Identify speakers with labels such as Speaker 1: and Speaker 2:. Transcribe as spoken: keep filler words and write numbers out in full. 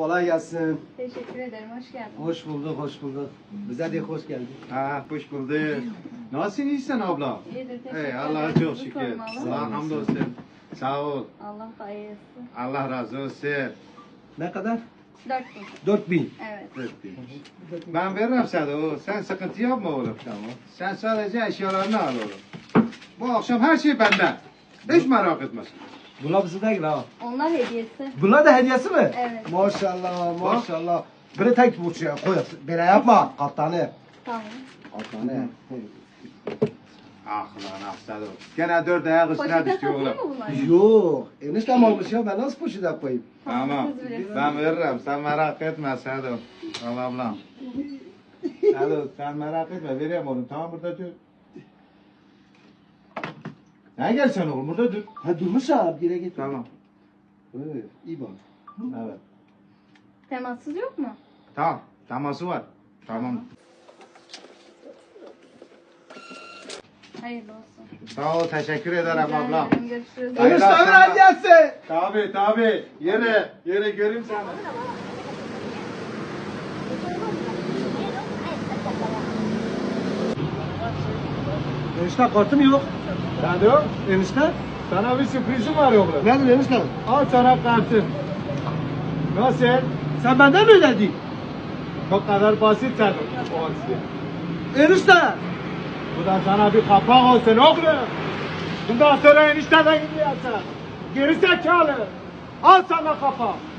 Speaker 1: Kolay gelsin.
Speaker 2: Teşekkür ederim. Hoş geldin.
Speaker 1: Hoş bulduk, hoş bulduk. Bize de hoş geldin.
Speaker 3: Ha, hoş bulduk. Nasılsın, iyisin abla?
Speaker 2: İyidir. Teşekkür
Speaker 3: Hey,
Speaker 2: ederim.
Speaker 3: Allah'a çok
Speaker 2: Sizi
Speaker 3: şükür.
Speaker 2: sormalı.
Speaker 3: Allah hamdolsun. Sağ ol.
Speaker 2: Allah hayırlısı.
Speaker 3: Allah razı olsun.
Speaker 1: Ne kadar?
Speaker 2: Dört bin.
Speaker 1: Dört bin.
Speaker 2: Evet.
Speaker 3: Öptüm. Ben veririm sana o. Sen sıkıntı yapma oğlum. Tamam. Sen sadece eşyalarını al oğlum. Bu akşam her şey benden. Hiç merak etmesin.
Speaker 1: Bunlar bize değil ha.
Speaker 2: Onlar hediyesi.
Speaker 1: Bunlar da hediyesi mi?
Speaker 2: Evet.
Speaker 1: Maşallah, maşallah. Biri tek burçuya koy. Böyle yapma. Katlanı.
Speaker 2: Tamam.
Speaker 1: Katlanı.
Speaker 3: Ah lan ah Sado. Gene dört ayak üstüne
Speaker 2: Poşete
Speaker 3: düştü
Speaker 2: satıyor
Speaker 3: oğlum.
Speaker 2: mu bunlar?
Speaker 1: Yok. Eniştem almış ya. Ben nasıl poşete koyayım?
Speaker 3: Tamam.
Speaker 2: Siz bilirsiniz.
Speaker 3: Ben veririm. Sen merak etme Sado. Al ablam. Sado sen merak etme. Vereyim oğlum. Tamam burada dur. Ne gel sen oğlum burada dur.
Speaker 1: Ha durmuş ha. Bir yere git.
Speaker 3: Tamam.
Speaker 1: Evet, iyi bak.
Speaker 3: Evet.
Speaker 2: Temassız yok mu?
Speaker 3: Tamam. Taması var. Tamam.
Speaker 2: Hayırlı olsun.
Speaker 3: Sağ ol. Teşekkür ederim
Speaker 2: Rica
Speaker 3: ablam.
Speaker 2: ederim. Görüşürüz.
Speaker 3: Hayırlı
Speaker 1: Eniştemin
Speaker 3: akşamlar.
Speaker 1: hediyesi.
Speaker 3: Tabi tabi. Yere. Yere göreyim seni.
Speaker 1: Enişte kartım yok.
Speaker 3: Sado.
Speaker 1: Enişte.
Speaker 3: Sana bir sürprizim var oğlum.
Speaker 1: Nedir enişte?
Speaker 3: Al sana kartın. Nasıl?
Speaker 1: Sen benden mi ödedin?
Speaker 3: Bu kadar basit Sado. Olsun.
Speaker 1: Enişte.
Speaker 3: Bu da sana bir kapak olsun oğlum. Bundan sonra enişteden gidiyorsun. Geri zekalı. Al sana kapak.